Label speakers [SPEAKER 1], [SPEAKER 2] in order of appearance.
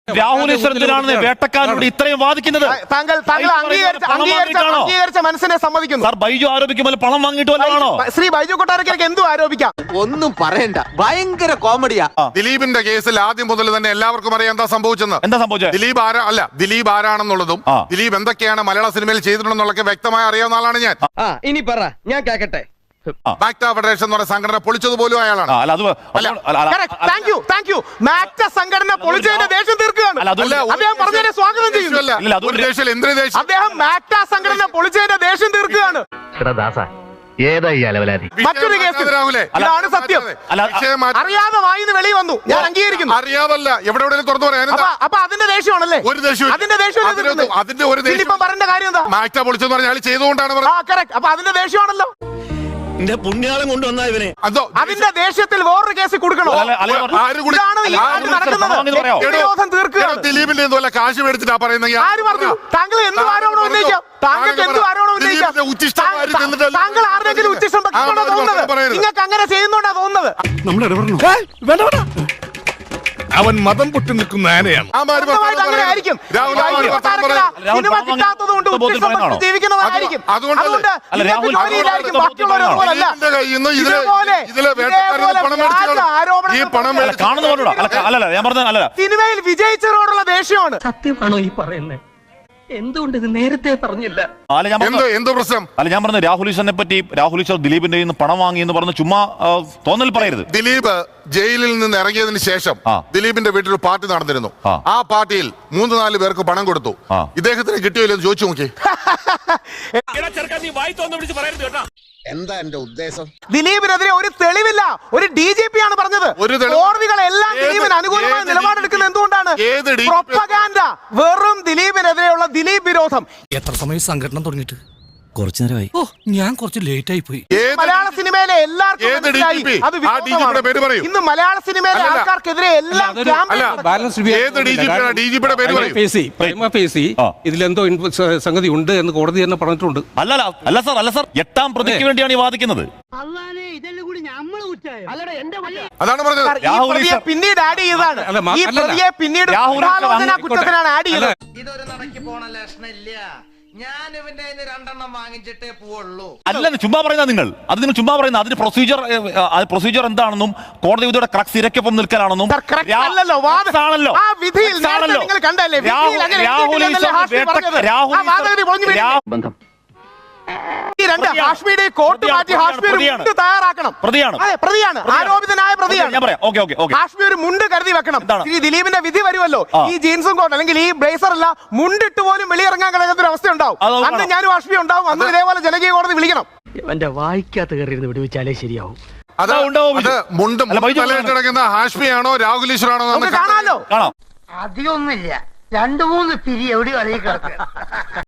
[SPEAKER 1] രാഹുൽ ഈശ്വരത്തിനാണ് വേട്ടക്കാരനോട് ഇത്രയും വാദിക്കുന്നത്.
[SPEAKER 2] താങ്കൾ അംഗീകരിച്ച മനസ്സിനെ സമ്മതിക്കുന്നു.
[SPEAKER 1] സാർ ബൈജു ആരോപിക്കുമ്പോൾ പണം വാങ്ങിയിട്ട് വല്ലതാണോ?
[SPEAKER 2] ശ്രീ ബൈജു കൊട്ടാരക്കരയ്ക്ക് എന്തും ആരോപിക്കാം.
[SPEAKER 3] ഒന്നും പറയണ്ട, ഭയങ്കര കോമഡിയാ.
[SPEAKER 4] ദിലീപിന്റെ കേസിൽ ആദ്യം മുതൽ തന്നെ എല്ലാവർക്കും അറിയാം എന്താ സംഭവിച്ചെന്ന്.
[SPEAKER 1] എന്താ സംഭവിച്ചത്?
[SPEAKER 4] ദിലീപ് ആരാണെന്നുള്ളതും ദിലീപ് എന്തൊക്കെയാണ് മലയാള സിനിമയിൽ ചെയ്തിട്ടുണ്ടെന്നുള്ളതൊക്കെ വ്യക്തമായി അറിയാവുന്ന ആളാണ് ഞാൻ.
[SPEAKER 3] ഇനി പറ, ഞാൻ കേക്കട്ടെ.
[SPEAKER 4] മാക്ട ഫെഡറേഷൻ എന്ന് പറയുന്ന സംഘടന പൊളിച്ചത് പോലും അയാളാണ്.
[SPEAKER 2] സംഘടന പൊളിച്ചതിന്റെ ദേഷ്യം തീർക്കുകയാണ്. അദ്ദേഹം പറഞ്ഞതിനെ സ്വാഗതം ചെയ്യുന്നു. അദ്ദേഹം മാക്ട സംഘടന പൊളിച്ചതിന്റെ ദേഷ്യം തീർക്കുകയാണ്. മറ്റൊരു കേസ് ഇതാണ് സത്യം. അറിയാതെ വായിന്ന് വെളി വന്നു, ഞാൻ അംഗീകരിക്കുന്നു.
[SPEAKER 4] അറിയാതല്ല, എവിടെ തുറന്നു പറയാൻ.
[SPEAKER 2] അപ്പൊ അതിന്റെ ദേഷ്യമാണല്ലേ?
[SPEAKER 4] ഒരു ദേഷ്യം
[SPEAKER 2] അതിന്റെ ദേഷ്യം പറഞ്ഞ കാര്യം എന്താ?
[SPEAKER 4] മാക്ട പൊളിച്ചെന്ന് പറഞ്ഞാൽ ചെയ്തുകൊണ്ടാണ്.
[SPEAKER 2] അപ്പൊ അതിന്റെ ദേഷ്യമാണല്ലോ.
[SPEAKER 1] പുണ്യാളം കൊണ്ടുവന്ന ഇവനെ
[SPEAKER 2] അതിന്റെ ദേഷ്യത്തിൽ വേറൊരു കേസ് കൊടുക്കണോ?
[SPEAKER 4] ദിലീപിന്റെ എന്തുമല്ല കാശ് മേടിച്ചിട്ടാ പറയുന്നത്.
[SPEAKER 2] ആര് പറഞ്ഞു? താങ്കൾ എന്ത് ആരോപണം ഉന്നയിക്കാം? താങ്കൾക്ക് എന്ത് ആരോപണം ഉന്നയിക്കാം? താങ്കൾ ആരുടെങ്കിലും ഉച്ചിഷ്ടം വെക്കുന്നുണ്ടോ തോന്നുന്നത്? നിങ്ങൾക്ക് അങ്ങനെ ചെയ്യുന്നുണ്ടോ തോന്നുന്നത്?
[SPEAKER 5] അവൻ മതം പൊട്ടി നിൽക്കുന്ന ആനയാണ്.
[SPEAKER 2] അങ്ങനെ ആയിരിക്കും. സിനിമ കിട്ടാത്തതുകൊണ്ട് ജീവിക്കുന്നവരായിരിക്കും. അതുകൊണ്ട് സിനിമയിൽ വിജയിച്ചവരോടുള്ള ദേഷ്യമാണ്.
[SPEAKER 6] സത്യമാണോ ഈ പറയുന്നത്? എന്തുകൊണ്ട് ഇത് നേരത്തെ പറഞ്ഞില്ല?
[SPEAKER 4] എന്തോ പ്രശ്നം?
[SPEAKER 1] ഞാൻ പറഞ്ഞു രാഹുൽ ഈശ്വരനെ പറ്റി, രാഹുൽ ഈശ്വർ ദിലീപിന്റെ പണം വാങ്ങി എന്ന് പറഞ്ഞ് ചുമ്മാ തോന്നൽ പറയരുത്.
[SPEAKER 4] ദിലീപ് ജയിലിൽ നിന്ന് ഇറങ്ങിയതിന് ശേഷം ദിലീപിന്റെ വീട്ടിൽ ഒരു പാർട്ടി നടന്നിരുന്നു. ആ പാർട്ടിയിൽ 3-4 പേർക്ക് പണം കൊടുത്തു. ഇദ്ദേഹത്തിന് കിട്ടിയില്ലെന്ന് ചോദിച്ചു നോക്കി.
[SPEAKER 5] എന്താ എന്റെ ഉദ്ദേശം?
[SPEAKER 2] ദിലീപിനെതിരെ ഒരു തെളിവില്ല. ഒരു DGP ആണ് പറഞ്ഞത്. കോടതികളെല്ലാം ദിലീപിന് അനുകൂലമായ നിലപാടെടുക്കുന്നത് എന്തുകൊണ്ടാണ്? പ്രൊപ്പഗാൻഡ. വെറും ദിലീപിനെതിരെയുള്ള ദിലീപ് വിരോധം.
[SPEAKER 7] എത്ര സമയം സംഘടന തുടങ്ങിയിട്ട്?
[SPEAKER 1] കുറച്ചു നേരമായി.
[SPEAKER 7] ഞാൻ കുറച്ച് ലേറ്റ് ആയി പോയി.
[SPEAKER 2] മലയാള സിനിമയിലെ എല്ലാവർക്കും ഇന്ന് മലയാള സിനിമയിലെ ആൾക്കാർക്കെതിരെ എല്ലാം
[SPEAKER 7] ഇതിലെന്തോ സംഗതി ഉണ്ട് എന്ന് കോടതി തന്നെ പറഞ്ഞിട്ടുണ്ട്.
[SPEAKER 1] അല്ല സാർ 8ാം പ്രതിക്ക് വേണ്ടിയാണ് ഈ വാദിക്കുന്നത്.
[SPEAKER 4] അതാണ് പറഞ്ഞത്.
[SPEAKER 2] പിന്നീട് ആഡ് ചെയ്തതാണ്. ഈ പ്രതിയെ പിന്നീട് കുറ്റത്തിനാണ് ആഡ് ചെയ്തത്.
[SPEAKER 3] ഇതൊരു നടക്കി പോണ ലക്ഷണില്ല. ഞാൻ ഇവന്റെ 2 വാങ്ങിച്ചിട്ടേ പോവുള്ളൂ.
[SPEAKER 1] അല്ലെന്ന് ചുമ്മാ പറയുന്ന നിങ്ങൾ ചുമ്മാ പറയുന്ന അതിന് പ്രൊസീജിയർ എന്താണെന്നും കോടതി വിധിയുടെ ക്രക്സ് ഇരയ്ക്കൊപ്പം നിൽക്കാനാണെന്നും
[SPEAKER 2] ആരോപിതനായ ഹാഷ്മി ഒരു മുണ്ട് കരുതി വെക്കണം. ഈ ദിലീപിന്റെ വിധി വരുമല്ലോ, ഈ ജീൻസും കോട്ട് അല്ലെങ്കിൽ ഈ ബ്ലേസർ അല്ല മുണ്ടിട്ട് പോലും വെളിയിറങ്ങാൻ കഴിയാത്ത ഒരു അവസ്ഥ ഉണ്ടാവും. അന്ന് ഞാനും ഹാഷ്മി ഉണ്ടാവും. അന്ന് ഇതേപോലെ ജനകീയ കോടതി വിളിക്കണം.
[SPEAKER 6] എന്റെ വായിക്കാത്ത കയറിയിരുന്ന് വിടുവിച്ചാലേ ശരിയാവും.
[SPEAKER 4] ഹാഷ്മിയാണോ രാഹുൽ ഈശ്വറാണോ
[SPEAKER 2] കാണാലോ?
[SPEAKER 6] അധികമൊന്നുമില്ല, 2-3 പിരി എവിടെ അറിയിക്കാം.